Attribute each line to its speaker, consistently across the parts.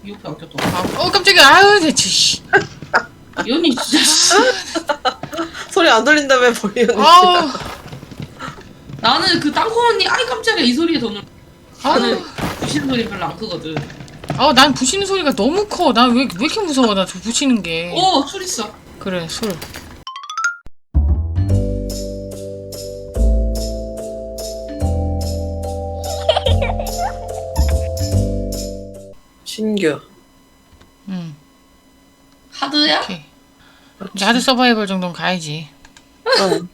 Speaker 1: 이 옆에 안 꼈다.
Speaker 2: 깜짝이야. 아유 대체. 씨.
Speaker 1: 이 언니 진짜.
Speaker 3: 소리 안 들린다며 버리 언니.
Speaker 2: 아우.
Speaker 1: 나는 그 땅콩 언니 아이 깜짝이야 이 소리에 더 놀. 나는
Speaker 2: 아우.
Speaker 1: 부시는 소리 별로 안 크거든.
Speaker 2: 난 부시는 소리가 너무 커. 난 왜 이렇게 무서워? 나 저 부시는 게.
Speaker 1: 오, 술 있어.
Speaker 2: 그래 술.
Speaker 3: 신규.
Speaker 2: 응.
Speaker 1: 하드야?
Speaker 2: 오케이. 이제 하드 서바이벌 정도는 가야지.
Speaker 3: 어.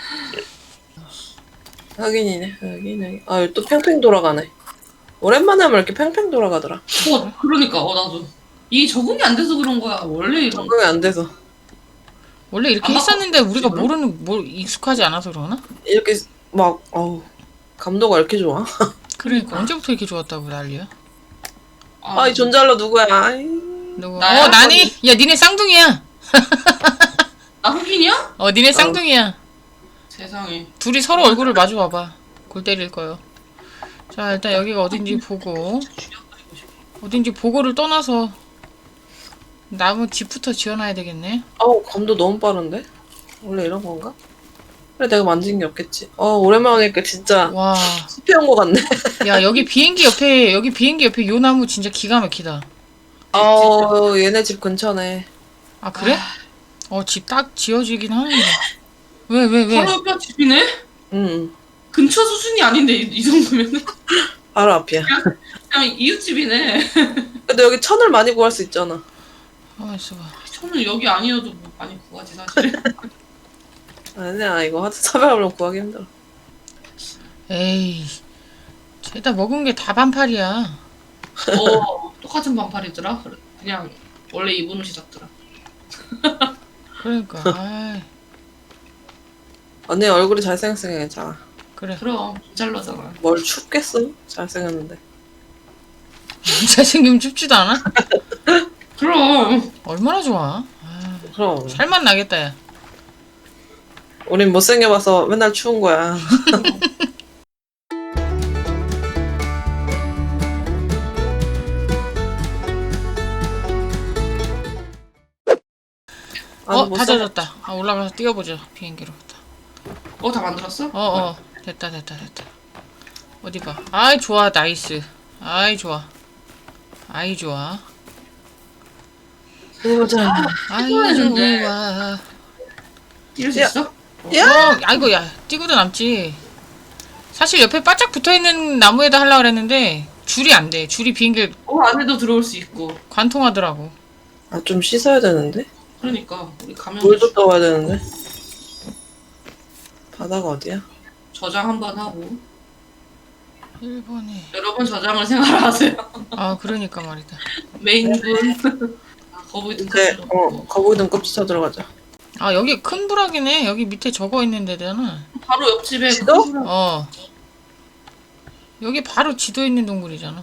Speaker 3: 확인. 아, 또 팽팽 돌아가네. 오랜만에 하면 이렇게 팽팽 돌아가더라.
Speaker 1: 그러니까 나도 이게 적응이 안 돼서 그런 거야. 원래 이런
Speaker 3: 적응이 안 돼서.
Speaker 2: 원래 이렇게
Speaker 1: 안
Speaker 2: 했었는데 우리가
Speaker 1: 바꿨지,
Speaker 2: 익숙하지 않아서 그러나?
Speaker 3: 이렇게 막 감도가 이렇게 좋아.
Speaker 2: 그러니까 언제부터 이렇게 좋았다고 난리야?
Speaker 3: 이 존잘러 누구야? 아이.
Speaker 2: 누구?
Speaker 1: 나야?
Speaker 2: 나니? 야 니네 쌍둥이야.
Speaker 1: 나 흑인이야?
Speaker 2: 니네 쌍둥이야.
Speaker 1: 세상에.
Speaker 2: 둘이 서로 얼굴을 마주 봐봐. 골 때릴 거요. 자 일단 여기가 어딘지 보고 어딘지 보고를 떠나서 나무 집부터 지어놔야 되겠네.
Speaker 3: 감도 너무 빠른데? 원래 이런 건가? 그래, 내가 만진 게 없겠지. 오랜만에 하니까 진짜
Speaker 2: 와.
Speaker 3: 숲에 온 거 같네.
Speaker 2: 야 여기 비행기 옆에 요 나무 진짜 기가 막히다.
Speaker 3: 얘네 집 근처네.
Speaker 2: 아 그래? 집 딱 지어지긴 하는데. 왜?
Speaker 1: 바로 옆에 집이네?
Speaker 3: 응,
Speaker 1: 근처 수준이 아닌데 이 정도면은
Speaker 3: 바로 앞이야.
Speaker 1: 그냥 이웃집이네.
Speaker 3: 근데 여기 천을 많이 구할 수 있잖아.
Speaker 2: 있어봐.
Speaker 1: 저는 여기 아니어도 뭐 많이 구하지 사실.
Speaker 3: 아니야, 이거 하드 사발로 구하기 힘들어.
Speaker 2: 에이. 죄다 먹은 게 다 반팔이야.
Speaker 1: 똑같은 반팔이더라. 그냥 원래 입은 옷이 같더라.
Speaker 2: 그러니까. 아이.
Speaker 3: 언니 얼굴이 잘생겼으니까 괜찮아.
Speaker 2: 그래.
Speaker 1: 그럼 잘라잖아.
Speaker 3: 뭘 춥겠어? 잘생겼는데.
Speaker 2: 잘생기면 춥지도 않아?
Speaker 1: 그럼
Speaker 2: 얼마나 좋아.
Speaker 3: 그럼.
Speaker 2: 살만 나겠다 야.
Speaker 3: 우린 못생겨봐서 맨날 추운 거야.
Speaker 2: 다 젖었다. 올라가서 뛰어보자. 비행기로.
Speaker 1: 다 만들었어?
Speaker 2: 됐다. 어디 봐. 아이 좋아. 나이스. 아이 좋아.
Speaker 3: 보자.
Speaker 2: 아이
Speaker 1: 했는데.
Speaker 2: 좋아.
Speaker 1: 뛸 수
Speaker 3: 야.
Speaker 1: 있어?
Speaker 2: 아이고 야 뛰고도 남지. 사실 옆에 바짝 붙어있는 나무에다 하려고 그랬는데 줄이 안 돼. 줄이 비행기
Speaker 1: 안에도 들어올 수 있고.
Speaker 2: 관통하더라고.
Speaker 3: 좀 씻어야 되는데?
Speaker 1: 그러니까 우리 가면
Speaker 3: 물도 떠와야 되는데? 바다가 어디야?
Speaker 1: 저장 한번 하고
Speaker 2: 1번이.
Speaker 1: 여러분 저장을 생활하세요.
Speaker 2: 그러니까 말이다.
Speaker 1: 메인분. 거북이 등급
Speaker 3: 이제
Speaker 1: 들어가고.
Speaker 3: 거북이 등껍질 찾으러 가자.
Speaker 2: 여기 큰 부락이네. 여기 밑에 적어 있는 데잖아.
Speaker 1: 바로 옆집에
Speaker 3: 지도?
Speaker 1: 큰 사람.
Speaker 2: 여기 바로 지도 있는 동굴이잖아.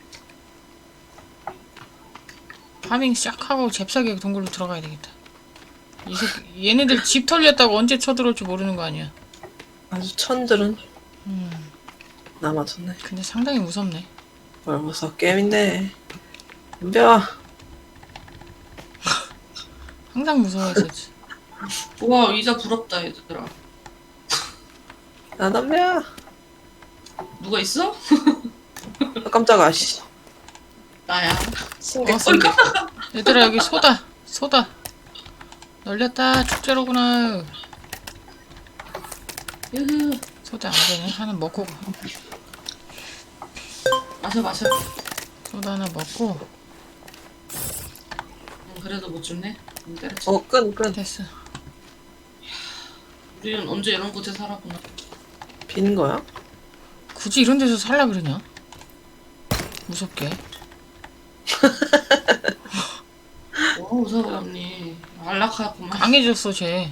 Speaker 2: 파밍 시작하고 잽싸게 동굴로 들어가야 되겠다. 얘네들 집 털렸다고 언제 쳐들어올지 모르는 거 아니야.
Speaker 3: 아주 천들은 남아졌네.
Speaker 2: 근데 상당히 무섭네.
Speaker 3: 뭘 무서워, 게임인데. 덤벼.
Speaker 2: 항상 무서워했었지.
Speaker 1: 와 의자 부럽다 얘들아.
Speaker 3: 나 덤벼.
Speaker 1: 누가 있어?
Speaker 3: 깜짝아, 씨.
Speaker 1: 나야.
Speaker 3: 신경
Speaker 2: 얘들아 여기 소다. 널렸다. 축제로구나.
Speaker 1: 으흐.
Speaker 2: 소다 안 되네. 하나 먹고 가.
Speaker 1: 마셔.
Speaker 2: 소다 하나 먹고.
Speaker 1: 그래도 못 죽네. 때려쳐.
Speaker 3: 끈.
Speaker 2: 됐어.
Speaker 1: 우리는 언제 이런 곳에 살아보나.
Speaker 3: 빈 거야?
Speaker 2: 굳이 이런 데서 살라 그러냐? 무섭게.
Speaker 1: 무서워 언니. 안락하구만.
Speaker 2: 강해졌어 쟤.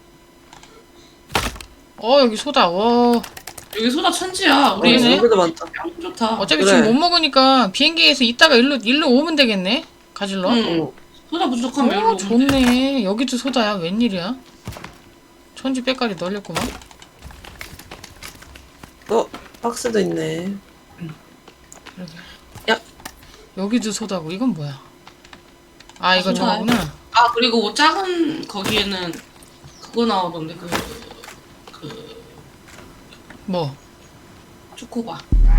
Speaker 2: 여기 소다.
Speaker 1: 여기 소다 천지야. 우리
Speaker 2: 그러네.
Speaker 3: 여기도 많다.
Speaker 1: 양 좋다.
Speaker 2: 어차피
Speaker 3: 그래.
Speaker 2: 지금 못 먹으니까 비행기에서 이따가 일로 오면 되겠네. 가질러.
Speaker 1: 응. 소다 부족하면 여기로 오면 돼.
Speaker 2: 좋네. 여기도 소다야. 웬일이야? 천지 빼까지 널렸구만.
Speaker 3: 박스도 있네.
Speaker 2: 그러게.
Speaker 3: 야.
Speaker 2: 여기도 소다고. 이건 뭐야? 아, 이건
Speaker 1: 소다.
Speaker 2: 저거구나.
Speaker 1: 아 그리고 작은 거기에는 그거 나오던데
Speaker 2: 뭐?
Speaker 1: 초코바.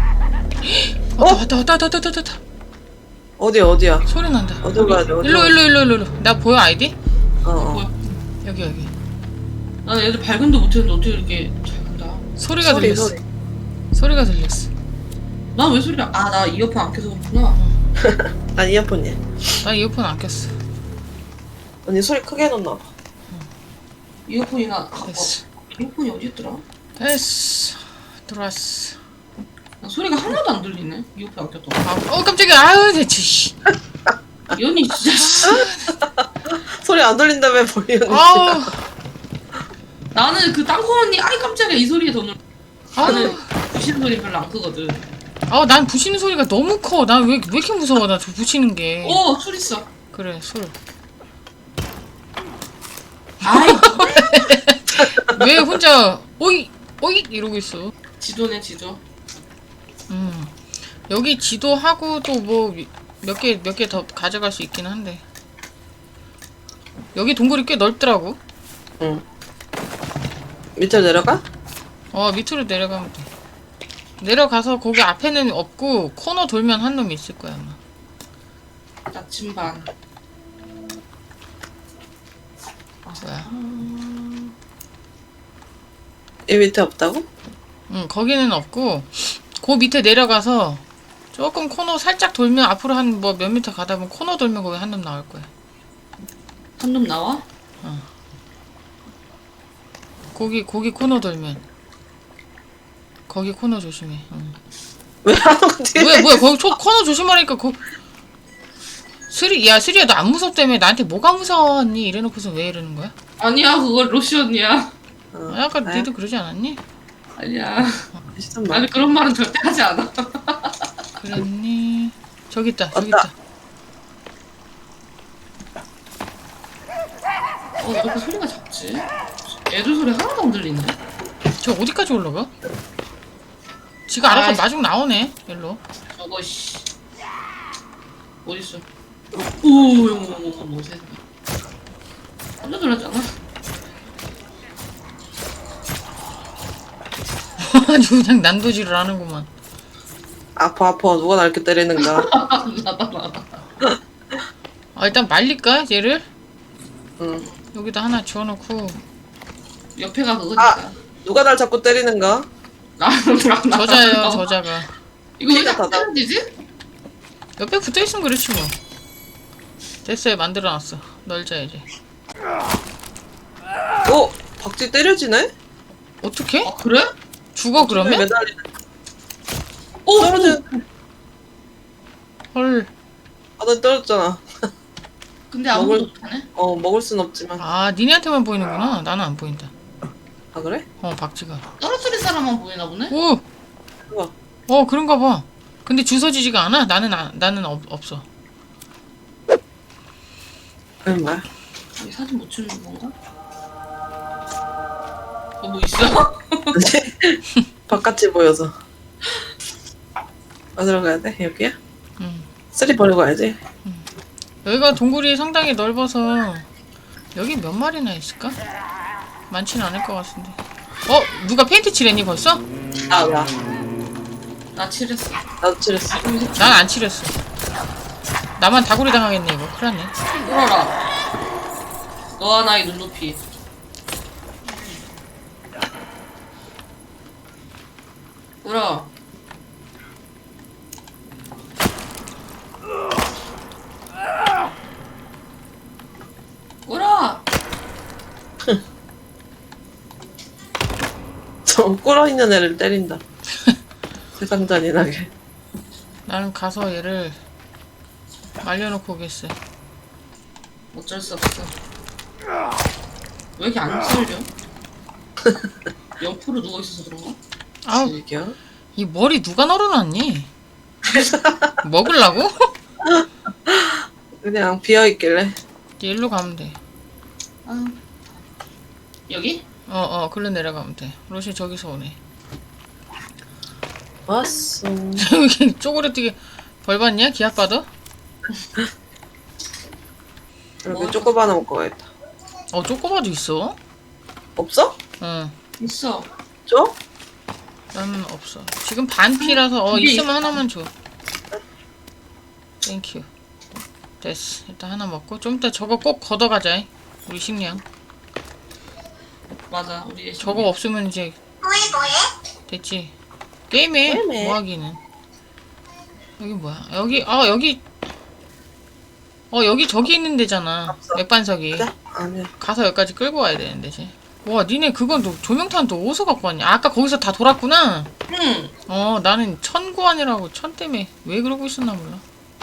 Speaker 2: 왔다.
Speaker 3: 어디야?
Speaker 2: 소리 난다.
Speaker 3: 어디로 가야 돼?
Speaker 2: 일로. 나 보여, 아이디?
Speaker 3: 어.
Speaker 2: 여기.
Speaker 1: 나는 애들 발견도 못했는데 어떻게 이렇게 잘 간다.
Speaker 2: 소리가
Speaker 3: 소리,
Speaker 2: 들렸어.
Speaker 3: 소리.
Speaker 2: 소리가 들렸어.
Speaker 1: 난 왜 소리야? 아 나 이어폰 안 켜서 그렇구나.
Speaker 3: 난 이어폰이야.
Speaker 2: 나 이어폰 안 꼈어.
Speaker 3: 언니 소리 크게 해놓나 봐.
Speaker 1: 이어폰이나
Speaker 2: 됐어.
Speaker 1: 이어폰이 어디 있더라?
Speaker 2: 됐어. 들어왔어.
Speaker 1: 나 소리가 하나도 안 들리네. 이어폰 안 켰다.
Speaker 2: 깜짝이야. 아유, 대체, 씨.
Speaker 1: 이 언니 진짜.
Speaker 3: 소리 안 들린다며 보이는
Speaker 2: 아우.
Speaker 1: 나는 그 땅콩 언니 아이 깜짝이야 이 소리에 더 놀. 나는
Speaker 2: 아우.
Speaker 1: 부시는 소리 별로 안 크거든.
Speaker 2: 난 부시는 소리가 너무 커. 난 왜 이렇게 무서워, 나 저 부시는 게.
Speaker 1: 술 있어.
Speaker 2: 그래, 술.
Speaker 1: 아이
Speaker 2: 왜 혼자, 오이! 이러고 있어.
Speaker 1: 지도네 지도.
Speaker 2: 여기 지도하고 또 뭐, 몇 개 더 가져갈 수 있긴 한데. 여기 동굴이 꽤 넓더라고.
Speaker 3: 응. 밑으로 내려가?
Speaker 2: 밑으로 내려가면 돼. 내려가서 거기 앞에는 없고, 코너 돌면 한 놈이 있을 거야, 아마.
Speaker 1: 나침반.
Speaker 2: 뭐야.
Speaker 3: 이 밑에 없다고?
Speaker 2: 거기는 없고, 그 밑에 내려가서, 조금 코너 살짝 돌면, 앞으로 한 뭐 몇 미터 가다 보면 코너 돌면 거기 한 놈 나올 거야.
Speaker 1: 한 놈 나와?
Speaker 2: 거기 코너 돌면. 거기 코너 조심해. 응.
Speaker 3: 왜 하는 거지?
Speaker 2: 뭐야, 거기 코너 조심하라니까, 스리야, 너 안 무섭다며. 나한테 뭐가 무서웠니? 이래놓고서 왜 이러는 거야?
Speaker 1: 아니야 그거 로션이야.
Speaker 2: 아까 니도 그러지 않았니?
Speaker 1: 아니야.
Speaker 3: 시선 봐.
Speaker 1: 나는 그런 말은 절대 하지 않아.
Speaker 2: 그랬니? 저기 있다.
Speaker 3: 왔다.
Speaker 1: 왜 이렇게 소리가 작지? 애들 소리 하나도 안 들리는데?
Speaker 2: 저 어디까지 올라가? 지가 알아서
Speaker 1: 아이씨.
Speaker 2: 마중 나오네. 일로.
Speaker 1: 저거 씨 어딨어? 오, 세상에. 깜짝 놀랐잖아.
Speaker 2: 아주 그냥 난도질을 하는구만.
Speaker 3: 아파. 누가 날 이렇게 때리는가?
Speaker 1: 나다.
Speaker 2: 일단 말릴까? 얘를?
Speaker 3: 응.
Speaker 2: 여기다 하나 지워놓고.
Speaker 1: 옆에가 그거니까.
Speaker 3: 아! 누가 날 자꾸 때리는가?
Speaker 1: 나.
Speaker 2: 저자예요, 저자가.
Speaker 1: 이거 왜
Speaker 3: 피가
Speaker 1: 자꾸
Speaker 3: 다 나.
Speaker 1: 떨어지지?
Speaker 2: 옆에 붙어있으면 그렇지 뭐. 됐어요, 만들어놨어. 널자 이제.
Speaker 3: 박쥐 때려지네?
Speaker 2: 어떻게?
Speaker 1: 아 그래?
Speaker 2: 죽어 그러면?
Speaker 3: 매달리네.
Speaker 1: 오!
Speaker 3: 떨어져.
Speaker 2: 헐.
Speaker 3: 나 떨어졌잖아.
Speaker 1: 근데 아무것도
Speaker 3: 먹을-
Speaker 1: 못하네?
Speaker 3: 먹을 순 없지만.
Speaker 2: 니네한테만 보이는구나. 나는 안 보인다.
Speaker 3: 아, 그래?
Speaker 2: 박쥐가.
Speaker 1: 떨어뜨린 사람만 보이나 보네?
Speaker 2: 오!
Speaker 3: 우와.
Speaker 2: 그런가 봐. 근데 주워지지가 않아? 나는 없어.
Speaker 3: 그건 뭐야?
Speaker 1: 이 사진 못 찍는 건가? 뭐 있어?
Speaker 3: 바깥이 보여서. 어디로 가야 돼? 여기야?
Speaker 2: 응.
Speaker 3: 쓰리 버리고 가야지.
Speaker 2: 여기가 동굴이 상당히 넓어서 여기 몇 마리나 있을까? 많지는 않을 것 같은데. 누가 페인트 칠했니 벌써?
Speaker 3: 야.
Speaker 1: 나 칠했어.
Speaker 3: 나도 칠했어.
Speaker 2: 난 안 칠했어. 나만 다구리 당하겠네 이거. 큰일 났네.
Speaker 1: 뚫어라. 너와 나의 눈높이. 뚫어. 뚫어.
Speaker 3: 저 꿇어있는 애를 때린다. 세상 잔인하게.
Speaker 2: 나는 가서 얘를 말려놓고 오겠어.
Speaker 1: 어쩔 수 없어. 왜 이렇게 안 썰려? 옆으로 누워있어서 그런가?
Speaker 2: 아우,
Speaker 3: 즐겨.
Speaker 2: 이 머리 누가 널어놨니? 먹으려고?
Speaker 3: 그냥 비어있길래.
Speaker 2: 이제 일로 가면 돼.
Speaker 1: 아. 여기?
Speaker 2: 글로 내려가면 돼. 로시 저기서 오네.
Speaker 3: 왔어.
Speaker 2: 여기 쪼그레뜨게 벌 받냐? 기합 받아?
Speaker 3: 이렇게 쪼꼬바 하나 먹고 가야겠다.
Speaker 2: 쪼꼬바도 있어?
Speaker 3: 없어?
Speaker 2: 응.
Speaker 1: 있어.
Speaker 3: 줘?
Speaker 2: 나는 없어. 지금 반피라서
Speaker 1: 이게
Speaker 2: 있으면 하나만 줘. 땡큐. 됐어. 일단 하나 먹고 좀 이따 저거 꼭 걷어가자. 우리 식량.
Speaker 1: 맞아. 우리
Speaker 2: 저거 없으면 이제 됐지. 게임해.
Speaker 3: 게임해.
Speaker 2: 뭐 하기는. 여기 뭐야? 여기 저기 있는 데잖아.
Speaker 3: 없어.
Speaker 2: 맥반석이.
Speaker 3: 가자. 아니야.
Speaker 2: 가서 여기까지 끌고 와야 되는데 이제. 와, 니네 그건 또 조명탄 또 어디서 갖고 왔냐? 아까 거기서 다 돌았구나.
Speaker 1: 응.
Speaker 2: 나는 천구안이라고 천 때문에 왜 그러고 있었나 몰라.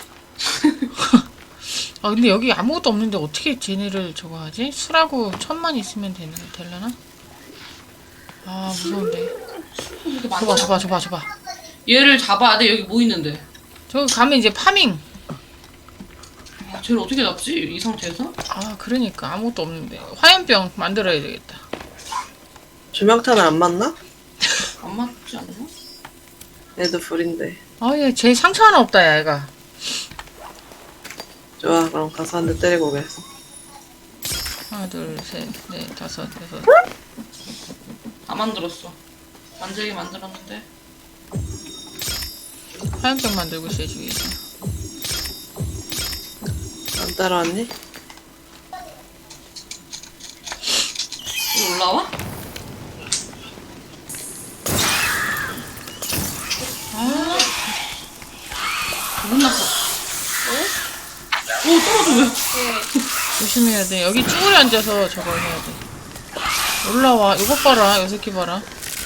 Speaker 2: 근데 여기 아무것도 없는데 어떻게 쟤네를 저거 하지? 술하고 천만 있으면 되려나? 무서운데.
Speaker 1: 이렇게 많아.
Speaker 2: 줘봐.
Speaker 1: 얘를 잡아야 돼. 여기 뭐 있는데?
Speaker 2: 저기 가면 이제 파밍.
Speaker 1: 쟤를 어떻게 잡지? 이 상태에서?
Speaker 2: 그러니까 아무것도 없는데. 화염병 만들어야 되겠다.
Speaker 3: 조명탄은 안 맞나?
Speaker 1: 안 맞지 않나?
Speaker 3: 얘도 불인데.
Speaker 2: 얘 상처 하나 없다, 야, 얘가.
Speaker 3: 좋아, 그럼 가서 한 대 때리고 오겠어.
Speaker 2: 하나, 둘, 셋, 넷, 다섯, 여섯.
Speaker 1: 다 만들었어. 만들긴 만들었는데.
Speaker 2: 화염병 만들고 있어요, 주위에서.
Speaker 3: 안 따라왔니?
Speaker 1: 여기 올라와? 혼났어. 오, 떨어져, 왜?
Speaker 2: 조심해야 돼. 여기 쭈그려 앉아서 저거 해야 돼. 올라와. 이것 봐라. 요 새끼 봐라.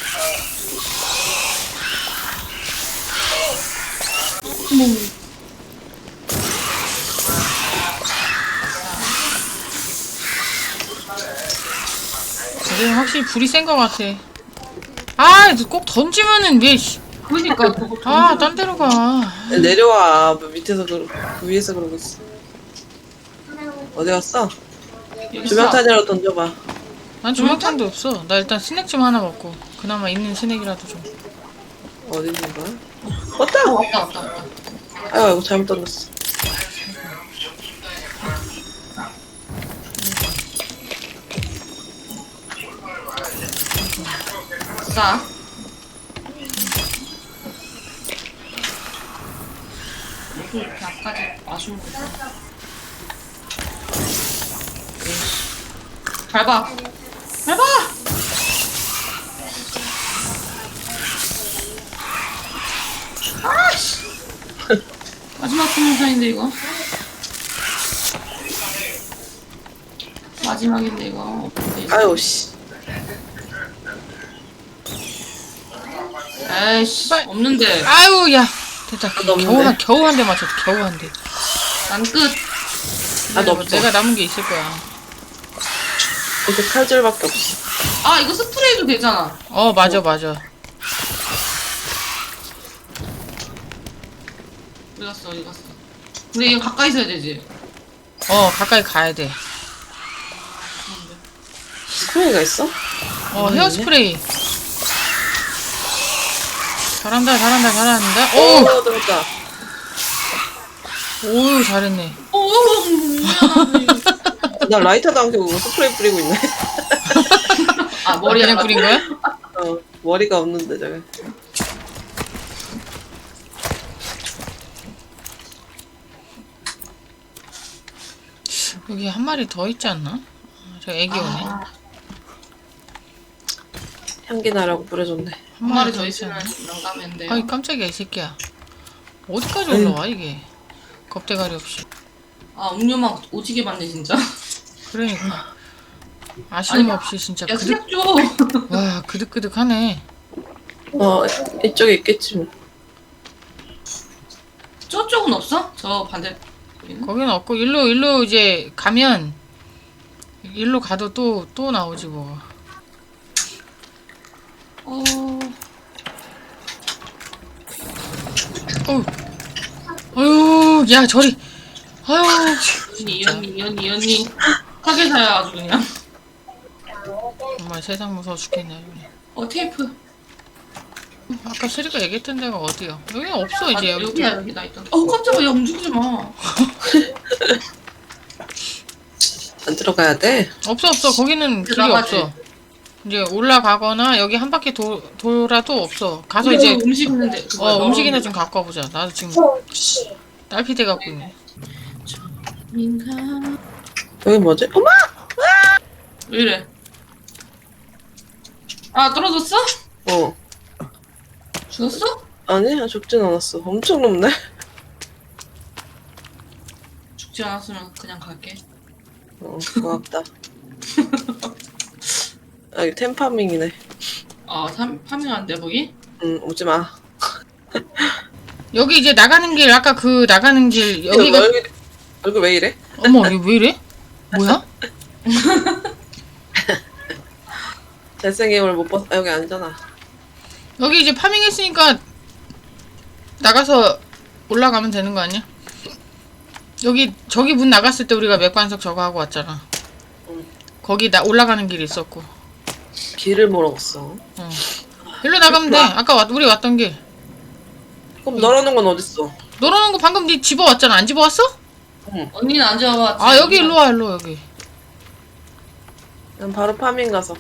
Speaker 2: 이제 확실히 불이 센 것 같아. 꼭 던지면은 왜,
Speaker 1: 그러니까, 그거
Speaker 2: 딴 데로 가.
Speaker 3: 내려와. 밑에서 그 위에서 그러고 있어. 어디 갔어?
Speaker 1: 여기
Speaker 3: 조명탄이라도 던져봐.
Speaker 2: 난 조명탄도 없어. 나 일단 스낵 좀 하나 먹고. 그나마 있는 스낵이라도 좀.
Speaker 3: 어디 있는 거야? 왔다!
Speaker 1: 왔다.
Speaker 3: 아이고, 잘못 던졌어.
Speaker 1: 싸. 또 이렇게 앞까지 아쉬운 거. 밟아. 아씨. 마지막 동영상인데 이거. 마지막인데 이거.
Speaker 3: 아유, 씨.
Speaker 1: 에이씨. 없는데.
Speaker 2: 아유, 야. 됐다.
Speaker 3: 너 없는데?
Speaker 2: 겨우 한 대 맞췄다. 겨우 한 대.
Speaker 1: 난 끝.
Speaker 3: 너 없어.
Speaker 2: 내가 남은 게 있을 거야.
Speaker 3: 이렇게 칼질밖에 없어.
Speaker 1: 이거 스프레이도 되잖아.
Speaker 2: 맞아.
Speaker 1: 어디 갔어. 근데 이거 가까이 있어야 되지.
Speaker 2: 가까이 가야 돼.
Speaker 3: 스프레이가 있어?
Speaker 2: 헤어스프레이. 잘한다.
Speaker 3: 오, 들었다.
Speaker 2: 오, 잘했네.
Speaker 1: 미안하네.
Speaker 3: 나 라이터도 안 켜고 스프레이 뿌리고 있네.
Speaker 1: 머리
Speaker 2: 그냥 뿌린 거야?
Speaker 3: 머리가 없는데, 저게.
Speaker 2: 여기 한 마리 더 있지 않나? 저 애기 오네.
Speaker 3: 향기 나라고 뿌려줬네.
Speaker 1: 한 마리 더
Speaker 2: 있지
Speaker 1: 있으면
Speaker 2: 않나?
Speaker 1: 영감인데요.
Speaker 2: 아이, 깜짝이야, 이 새끼야. 어디까지 올라와, 이게? 겁대가리 없이.
Speaker 1: 음료만 오지게 받네 진짜.
Speaker 2: 그러니까. 아쉬움
Speaker 1: 아니,
Speaker 2: 없이 진짜
Speaker 1: 야 스낵 줘.
Speaker 2: 와, 그득그득하네.
Speaker 3: 이쪽에 있겠지, 뭐.
Speaker 1: 저쪽은 없어? 저 반대.
Speaker 2: 거기는 없고, 일로 이제 가면, 일로 가도 또 나오지, 뭐. 어휴, 야, 저리. 아유,
Speaker 1: 이 언니. 사계사야 아주 그냥.
Speaker 2: 정말 세상 무서워 죽겠네, 그냥.
Speaker 1: 테이프.
Speaker 2: 아까 세리가 얘기했던 데가 어디야? 여기는 없어 이제. 여기
Speaker 1: 여기야 여기 나 있다. 깜짝이야. 야, 움직이지 마.
Speaker 3: 안 들어가야 돼?
Speaker 2: 없어. 거기는 길이
Speaker 1: 들어가지.
Speaker 2: 없어. 이제 올라가거나 여기 한 바퀴 돌아도 없어. 가서
Speaker 1: 우리
Speaker 2: 이제
Speaker 1: 여기 움직이는데. 그거
Speaker 2: 음식이나
Speaker 1: 넣어놓은
Speaker 2: 좀 갖고 와보자. 나도 지금
Speaker 4: 좋지.
Speaker 2: 딸피 돼 갖고 있네.
Speaker 1: 민가.
Speaker 3: 여기 뭐지? 어머!
Speaker 1: 왜 이래? 아 떨어졌어?
Speaker 3: 어.
Speaker 1: 죽었어?
Speaker 3: 아니, 죽진 않았어. 엄청 높네?
Speaker 1: 죽지 않았으면 그냥 갈게.
Speaker 3: 고맙다. 아, 여기 템파밍이네.
Speaker 1: 아 파밍한데 거기?
Speaker 3: 오지 마.
Speaker 2: 여기 이제 나가는 길 아까 그 나가는 길 여기가
Speaker 3: 얼굴 왜 이래?
Speaker 2: 어머 이게 왜 이래? 뭐야?
Speaker 3: 잘생김을 못 봤, 여기 아니잖아.
Speaker 2: 여기 이제 파밍했으니까 나가서 올라가면 되는 거 아니야? 여기 저기 문 나갔을 때 우리가 맥반석 저거 하고 왔잖아.
Speaker 3: 응.
Speaker 2: 거기 올라가는 길이 있었고.
Speaker 3: 길을 물어봤어.
Speaker 2: 일로 나가면 돼. 아까 우리 왔던 길.
Speaker 3: 그럼 너라는 건 어딨어?
Speaker 2: 너라는 거 방금 네 집어왔잖아. 안 집어왔어?
Speaker 1: 언니는 안 잡아봤지?
Speaker 2: 아 여기 일로 와 일로 여기.
Speaker 3: 난 바로 파밍 가서.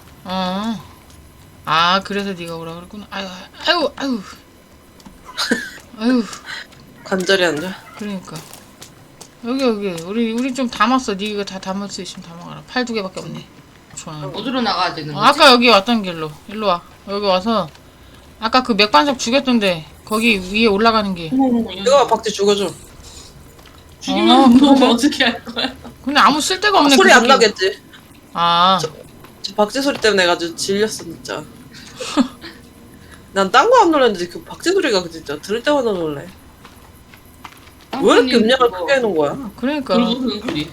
Speaker 2: 아 그래서 네가 오라 그랬구나. 아유. 아유.
Speaker 3: 관절이 안 좋아.
Speaker 2: 그러니까 여기 우리 좀 담았어. 네가 다 담을 수 있으면 담아가라. 팔 2개밖에 없네. 좋아.
Speaker 1: 어디로 나가야 되는 거지?
Speaker 2: 아까 여기 왔던 길로 일로 와. 여기 와서 아까 그 맥반석 죽였던데 거기 위에 올라가는 길.
Speaker 3: 이거 박쥐 죽여줘.
Speaker 1: 죽이면 너 어떻게 할 거야?
Speaker 2: 근데 아무 쓸데가 없네.
Speaker 3: 소리
Speaker 2: 그
Speaker 3: 안
Speaker 2: 새끼.
Speaker 3: 나겠지?
Speaker 2: 아
Speaker 3: 저 박쥐 소리 때문에 내가 아주 질렸어 진짜. 난 딴 거 안 놀랐는데 그 박쥐 소리가 진짜 들을 때마다 놀래. 왜 이렇게 음량을 크게 해놓은 거야?
Speaker 2: 그러니까
Speaker 1: 그러는 소리.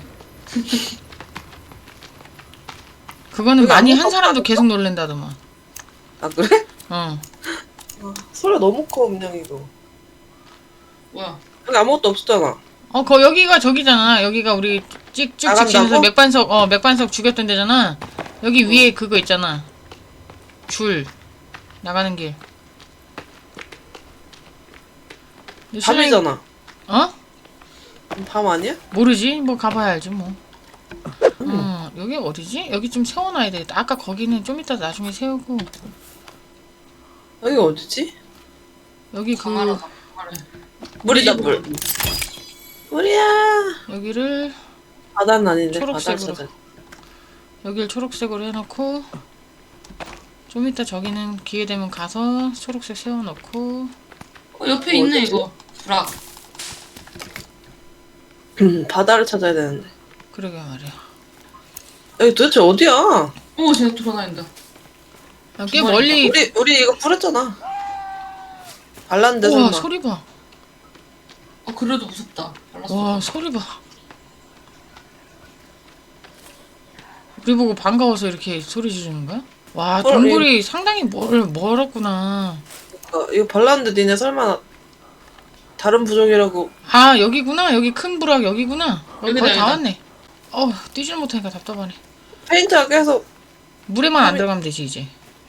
Speaker 2: 그거는
Speaker 3: 그게
Speaker 2: 많이
Speaker 3: 아무것도
Speaker 2: 한 사람도
Speaker 3: 없다니까?
Speaker 2: 계속 놀랜다더만.
Speaker 3: 아 그래?
Speaker 2: 어.
Speaker 3: 소리가 너무 커 음량이 이거.
Speaker 1: 뭐야?
Speaker 3: 여기 아무것도 없었잖아.
Speaker 2: 여기가 저기잖아. 여기가 우리 쭉
Speaker 3: 나간다고?
Speaker 2: 직진해서 맥반석 죽였던 데잖아. 여기 위에 그거 있잖아. 줄 나가는 길. 근데 신랑이-
Speaker 3: 밤이잖아.
Speaker 2: 어?
Speaker 3: 밤 아니야?
Speaker 2: 모르지. 뭐 가봐야 알지 뭐. 여기 어디지? 여기 좀 세워놔야 되겠다. 아까 거기는 좀 이따 나중에 세우고
Speaker 3: 여기 어디지?
Speaker 2: 여기 그
Speaker 1: 강하라.
Speaker 3: 물이다 물. 물이야.
Speaker 2: 여기를
Speaker 3: 바다는 아닌데 바다를
Speaker 2: 초록색으로.
Speaker 3: 찾아.
Speaker 2: 여기를 초록색으로 해놓고 좀 이따 저기는 기회 되면 가서 초록색 세워놓고
Speaker 1: 옆에 있네 이거. 브락.
Speaker 3: 바다를 찾아야 되는데.
Speaker 2: 그러게 말이야.
Speaker 3: 여기 도대체 어디야?
Speaker 1: 오 쟤 돌아다닌다.
Speaker 2: 꽤 멀리.
Speaker 3: 우리 이거 뿌렸잖아. 발랐는데
Speaker 2: 우와
Speaker 3: 설마.
Speaker 2: 소리 봐.
Speaker 1: 그래도 무섭다. 발랐어.
Speaker 2: 와 소리 봐. 우리 보고 반가워서 이렇게 소리 지르는 거야? 와 동굴이 상당히 멀었구나.
Speaker 3: 이거 발랐는데 니네 설마 다른 부족이라고.
Speaker 2: 아 여기구나. 여기 큰 부락 여기구나. 여기
Speaker 1: 여기다,
Speaker 2: 거의 다
Speaker 1: 여기다.
Speaker 2: 왔네. 뛰질 못하니까 답답하네.
Speaker 3: 페인트가 계속
Speaker 2: 물에만 안 들어가면 되지 이제.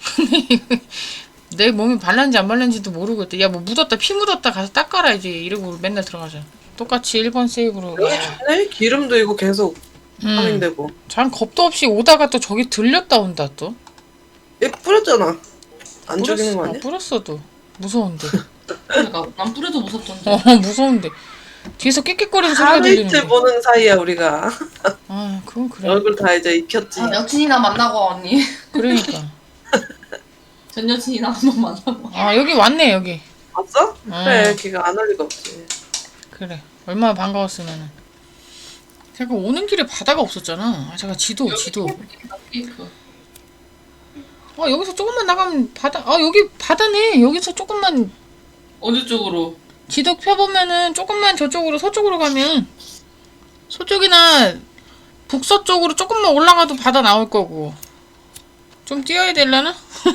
Speaker 2: 내 몸이 발랐는지 안 발랐는지도 모르고 있대. 야 뭐 묻었다 피 묻었다 가서 닦아라 이제 이러고 맨날 들어가자. 똑같이 1번 세이브로.
Speaker 3: 여기 좋네? 기름도 이거 계속 파밍되고.
Speaker 2: 참 겁도 없이 오다가 또 저기 들렸다 온다 또.
Speaker 3: 얘 뿌렸잖아. 안 죽이는 거 아니야?
Speaker 2: 뿌렸어도 무서운데.
Speaker 1: 그러니까 난 뿌려도 무섭던데.
Speaker 2: 무서운데. 뒤에서 깨끗거리는 소리가
Speaker 3: 하루 이틀
Speaker 2: 들리는데.
Speaker 3: 보는 사이야 우리가.
Speaker 2: 아 그건 그래.
Speaker 3: 얼굴 다 이제 익혔지.
Speaker 1: 여친이나 만나고 와, 언니.
Speaker 2: 그러니까.
Speaker 1: 전 여친이나 한번 만나고.
Speaker 2: 아 여기 왔네 여기.
Speaker 3: 봤어? 그래 걔가 안 할 리가 없지.
Speaker 2: 그래. 얼마나 반가웠으면은. 잠깐 오는 길에 바다가 없었잖아. 잠깐 지도.
Speaker 1: 케이크.
Speaker 2: 여기서 조금만 나가면 바다. 여기 바다네. 여기서 조금만
Speaker 1: 어느 쪽으로?
Speaker 2: 지도 펴보면은 조금만 저쪽으로 서쪽으로 가면 서쪽이나 북서쪽으로 조금만 올라가도 바다 나올 거고. 좀 뛰어야 되려나?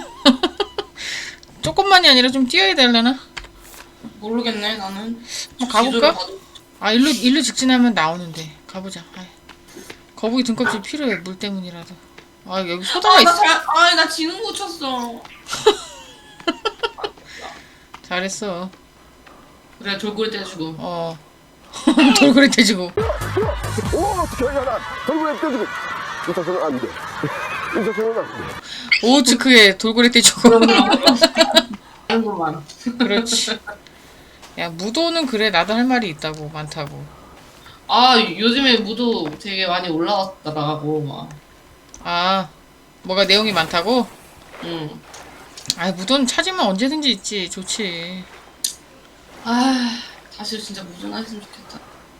Speaker 2: 조금만이 아니라 좀 뛰어야 되려나?
Speaker 1: 모르겠네 나는.
Speaker 2: 가볼까?
Speaker 1: 지도를 봐도-
Speaker 2: 일로 직진하면 나오는데 가보자. 거북이 등껍질 필요해. 물 때문이라도. 여기 소다가 있어.
Speaker 1: 나 지는 거 쳤어.
Speaker 2: 잘했어.
Speaker 1: 그래 돌고래 떼주고.
Speaker 2: 어. 돌고래 떼주고.
Speaker 4: 오, 어떻게 하냐? 돌고래 떼주고. 이 자세는 안 돼. 이 자세는 안 돼.
Speaker 2: 오츠크에 돌고래 떼주고.
Speaker 1: 하는구만.
Speaker 2: 그렇지. 야, 무도는 그래. 나도 할 말이 있다고. 많다고.
Speaker 1: 아 요즘에 무도 되게 많이 올라왔더라고 막.
Speaker 2: 아, 뭐가 내용이 많다고?
Speaker 1: 응.
Speaker 2: 아, 무도는 찾으면 언제든지 있지. 좋지.
Speaker 1: 아 다시 진짜 무전했으면 좋겠다.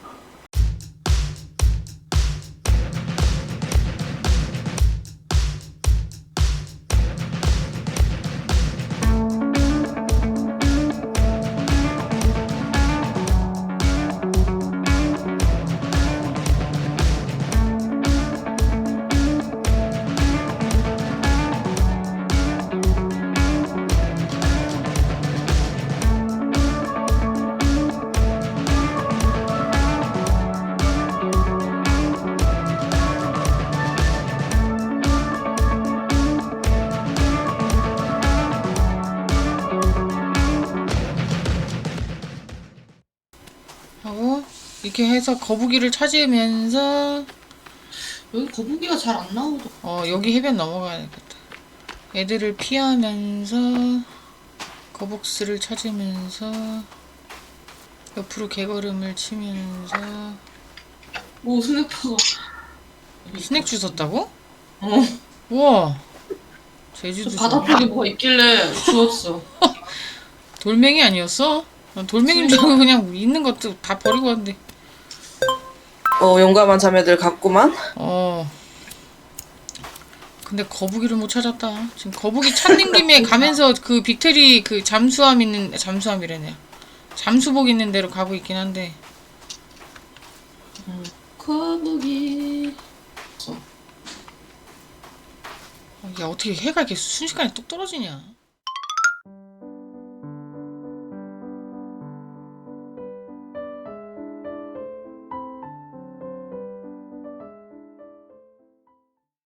Speaker 2: 하고, 이렇게 해서 거북이를 찾으면서,
Speaker 1: 여기 거북이가 잘 안 나오더라.
Speaker 2: 여기 해변 넘어가야겠다. 애들을 피하면서, 거북스를 찾으면서, 옆으로 개걸음을 치면서,
Speaker 1: 오 스냅퍼가.
Speaker 2: 스낵 주웠다고?
Speaker 1: 어.
Speaker 2: 우와!
Speaker 1: 저
Speaker 2: 제주도
Speaker 1: 바다 쪽에 뭐가 있길래 주웠어.
Speaker 2: 돌멩이 아니었어? 난 돌멩이인 줄 알고 그냥 있는 것도 다 버리고 왔는데.
Speaker 3: 용감한 자매들 같구만.
Speaker 2: 근데 거북이를 못 찾았다. 지금 거북이 찾는 김에 가면서 그 빅테리 그 잠수함이래네. 잠수복 있는 데로 가고 있긴 한데.
Speaker 1: 거북이.
Speaker 2: 야, 어떻게 해가 이렇게 순식간에 뚝 떨어지냐.